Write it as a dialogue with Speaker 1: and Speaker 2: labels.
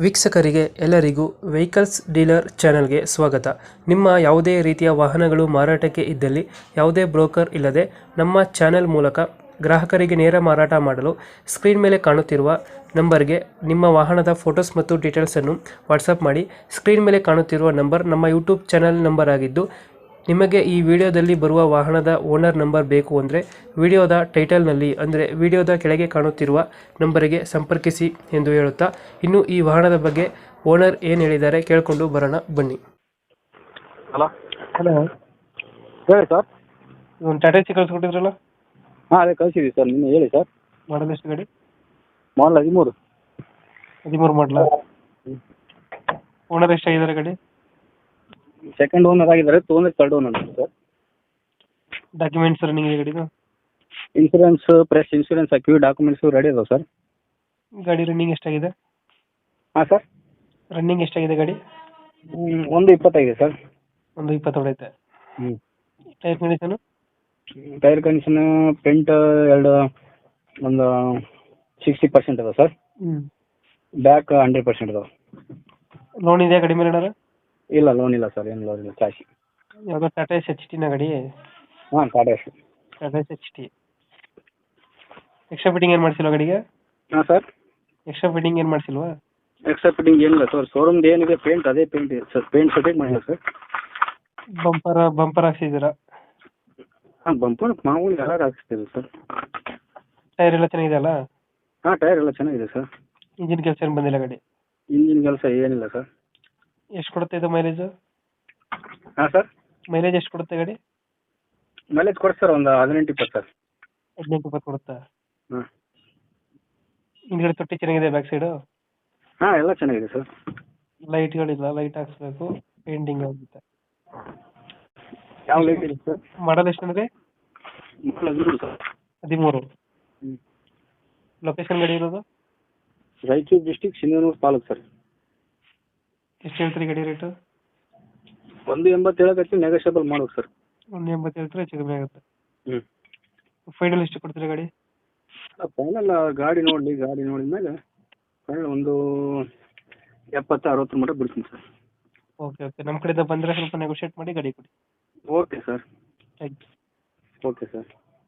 Speaker 1: ವೀಕ್ಷಕರಿಗೆ ಎಲ್ಲರಿಗೂ vehicles dealer ಚಾನೆಲ್ಗೆ ಸ್ವಾಗತ. ನಿಮ್ಮ ಯಾವುದೇ ರೀತಿಯ ವಾಹನಗಳು ಮಾರಾಟಕ್ಕೆ ಇದ್ದಲ್ಲಿ ಯಾವುದೇ ಬ್ರೋಕರ್ ಇಲ್ಲದೆ ನಮ್ಮ ಚಾನೆಲ್ ಮೂಲಕ ಗ್ರಾಹಕರಿಗೆ ನೇರ ಮಾರಾಟ ಮಾಡಲು ಸ್ಕ್ರೀನ್ ಮೇಲೆ ಕಾಣುತ್ತಿರುವ ನಂಬರ್ಗೆ ನಿಮ್ಮ ವಾಹನದ ಫೋಟೋಸ್ ಮತ್ತು ಡೀಟೇಲ್ಸನ್ನು ವಾಟ್ಸಪ್ ಮಾಡಿ. ಸ್ಕ್ರೀನ್ ಮೇಲೆ ಕಾಣುತ್ತಿರುವ ನಂಬರ್ ನಮ್ಮ ಯೂಟ್ಯೂಬ್ ಚಾನೆಲ್ ನಂಬರ್ ಆಗಿದ್ದು, ನಿಮಗೆ ಈ ವಿಡಿಯೋದಲ್ಲಿ ಬರುವ ವಾಹನದ ಓನರ್ ನಂಬರ್ ಬೇಕು ಅಂದರೆ ವಿಡಿಯೋದ ಟೈಟಲ್ನಲ್ಲಿ ಅಂದರೆ ವಿಡಿಯೋದ ಕೆಳಗೆ ಕಾಣುತ್ತಿರುವ ನಂಬರಿಗೆ ಸಂಪರ್ಕಿಸಿ ಎಂದು ಹೇಳುತ್ತಾ, ಇನ್ನು ಈ ವಾಹನದ ಬಗ್ಗೆ ಓನರ್ ಏನು ಹೇಳಿದ್ದಾರೆ ಕೇಳಿಕೊಂಡು ಬರೋಣ ಬನ್ನಿ.
Speaker 2: ಹಲೋ
Speaker 1: ಹಲೋ,
Speaker 2: ಹೇಳಿ ಸರ್.
Speaker 1: ಒಂದು ಟಾಟಾ ಸಿ ಕಳಿಸ್ಕೊಟ್ಟಿದ್ರಲ್ಲ,
Speaker 2: ಹಾಂ ಅದೇ ಕಳಿಸಿದ್ದೀವಿ ಸರ್. ನಿನ್ನೆ ಹೇಳಿ ಸರ್.
Speaker 1: ಮಾಡಲ್ ಎಷ್ಟು ಗಾಡಿ?
Speaker 2: ಮಾಡಲ್ 13.
Speaker 1: 13 ಮಾಡಲ. ಓನರ್ ಎಷ್ಟಾಗಿದ್ದಾರೆ ಗಾಡಿ?
Speaker 2: ಸೆಕೆಂಡ್ ಓನರ್ ಆಗಿದ್ದಾರೆ, ತೊಗೊಂಡ್ರೆ third owner sir.
Speaker 1: Documents running ಇದೆ ಗಾಡಿದು?
Speaker 2: ಇನ್ಸೂರೆನ್ಸ್ ಫ್ರೆಶ್ ಇನ್ಸೂರೆನ್ಸ್ ಹಾಕಿವಿ, ಡಾಕ್ಯುಮೆಂಟ್ಸು ರೆಡಿ ಅದಾವೆ ಸರ್.
Speaker 1: ಗಾಡಿ ರನ್ನಿಂಗ್ ಎಷ್ಟಾಗಿದೆ?
Speaker 2: ಹಾಂ ಸರ್.
Speaker 1: ರನ್ನಿಂಗ್ ಎಷ್ಟಾಗಿದೆ ಗಾಡಿ?
Speaker 2: 1.25 ಸರ್.
Speaker 1: 1.20 ಹೊಡೈತೆ.
Speaker 2: ಹ್ಞೂ.
Speaker 1: Tyre condition?
Speaker 2: Tyre condition front ಒಂದು 60% ಅದಾವೆ ಸರ್. ಬ್ಯಾಕ್ 100% ಅದಾವೆ.
Speaker 1: ಲೋನ್ ಇದೆಯಾ ಗಾಡಿ ಮೇಲೆ ಏನಾರ?
Speaker 2: ಇಲ್ಲ, ಲೋನ್ ಇಲ್ಲ ಸರ್, ಏನು ಲೋನ್ ಇಲ್ಲ, ಕ್ಯಾಶ್.
Speaker 1: ಯಾವುದೋ ಟಾಟಾ ಎಸ್ ಎಚ್ ಟಿನ ಗಾಡಿ?
Speaker 2: ಹಾಂ, Tata Ace.
Speaker 1: Tata Ace H T. Extra fitting ಏನು ಮಾಡಿಸಿಲ್ವಾ ಗಾಡಿಗೆ?
Speaker 2: ಹಾಂ ಸರ್.
Speaker 1: ಎಕ್ಸ್ಟ್ರಾ ಫಿಟ್ಟಿಂಗ್ ಏನು ಮಾಡಿಸಿಲ್ವಾ?
Speaker 2: ಎಕ್ಸ್ಟ್ರಾ ಫಿಟ್ಟಿಂಗ್ ಏನಿಲ್ಲ ಸರ್, ಶೋರೂಮ್ದು ಏನಿದೆ ಪೇಂಟ್ ಅದೇ ಪೇಂಟ್ ಇದೆ ಸರ್. ಪೇಂಟ್ ಸೆಟ್ಟಿಂಗ್ ಮಾಡಿಲ್ಲ ಸರ್.
Speaker 1: ಬಂಪರ್ ಹಾಕ್ಸಿದ್ದೀರಾ?
Speaker 2: ಹಾಂ, ಬಂಪರ್ ಮಾಮೂಲಿ ಎಲ್ಲರೂ ಹಾಕಿಸ್ತೀವಿ ಸರ್.
Speaker 1: ಟೈರ್ ಎಲ್ಲ ಚೆನ್ನಾಗಿದೆ ಅಲ್ಲ?
Speaker 2: ಹಾಂ, ಟೈರ್ ಎಲ್ಲ ಚೆನ್ನಾಗಿದೆ ಸರ್.
Speaker 1: ಇಂಜಿನ್ ಕೆಲಸ ಏನು ಬಂದಿಲ್ಲ ಗಾಡಿ?
Speaker 2: ಇಂಜಿನ್ ಕೆಲಸ ಏನಿಲ್ಲ ಸರ್.
Speaker 1: ಎಷ್ಟು ಕೊಡುತ್ತೆ ಇದು ಮೈಲೇಜು?
Speaker 2: ಹಾಂ ಸರ್.
Speaker 1: ಮೈಲೇಜ್ ಎಷ್ಟು ಕೊಡುತ್ತೆ ಗಾಡಿ?
Speaker 2: ಮೈಲೇಜ್ ಕೊಡಿ ಸರ್, ಒಂದು 18-20 ಸರ್.
Speaker 1: 18-20 ಕೊಡುತ್ತಾ?
Speaker 2: ಹಾಂ.
Speaker 1: ಹಿಂದ್ಗಡೆ ತೊಟ್ಟಿ ಚೆನ್ನಾಗಿದೆ ಬ್ಯಾಕ್ ಸೈಡು?
Speaker 2: ಹಾಂ, ಎಲ್ಲ ಚೆನ್ನಾಗಿದೆ ಸರ್.
Speaker 1: ಲೈಟ್ಗಳಿಲ್ಲ, ಲೈಟ್ ಹಾಕ್ಸ್ಬೇಕು, ಪೇಂಟಿಂಗ್ ಆಗುತ್ತೆ.
Speaker 2: ಯಾವ ಲೈಟ್ ಇದೆ ಸರ್?
Speaker 1: ಮಾಡಲ್ ಎಷ್ಟು ಅಂದರೆ?
Speaker 2: Model 13 sir.
Speaker 1: 13.
Speaker 2: ಹ್ಞೂ.
Speaker 1: ಲೊಕೇಶನ್ ಗಾಡಿ ಇರೋದು?
Speaker 2: Raichur district, Sindhanur taluk sir.
Speaker 1: ಎಷ್ಟು ಹೇಳ್ತೀರಿ ಗಾಡಿ ರೇಟು?
Speaker 2: 1.80 ಹೇಳಕತ್ತಿ, ನೆಗೋಷಿಯಬಲ್ ಮಾಡ್ಬೇಕು ಸರ್.
Speaker 1: 1.80 ಹೇಳ್ತಾರೆ, ಹೆಚ್ಚು ಕಮ್ಮಿ ಆಗುತ್ತೆ.
Speaker 2: ಹ್ಞೂ.
Speaker 1: ಫೈನಲ್ ಎಷ್ಟು ಕೊಡ್ತೀರಾ ಗಾಡಿ?
Speaker 2: ಫೈನಲ್ ಗಾಡಿ ನೋಡಿದ ಮೇಲೆ ಫೈನಲ್ ಒಂದು 70-60 ಮಟ್ಟ ಬಿಡ್ತೀನಿ ಸರ್.
Speaker 1: ಓಕೆ, ನಮ್ಮ ಕಡೆಯಿಂದ ಬಂದರೆ ಸ್ವಲ್ಪ ನೆಗೋಷಿಯೇಟ್ ಮಾಡಿ ಗಾಡಿ ಕೊಡಿ.
Speaker 2: Okay sir.
Speaker 1: Thank you.
Speaker 2: Okay sir.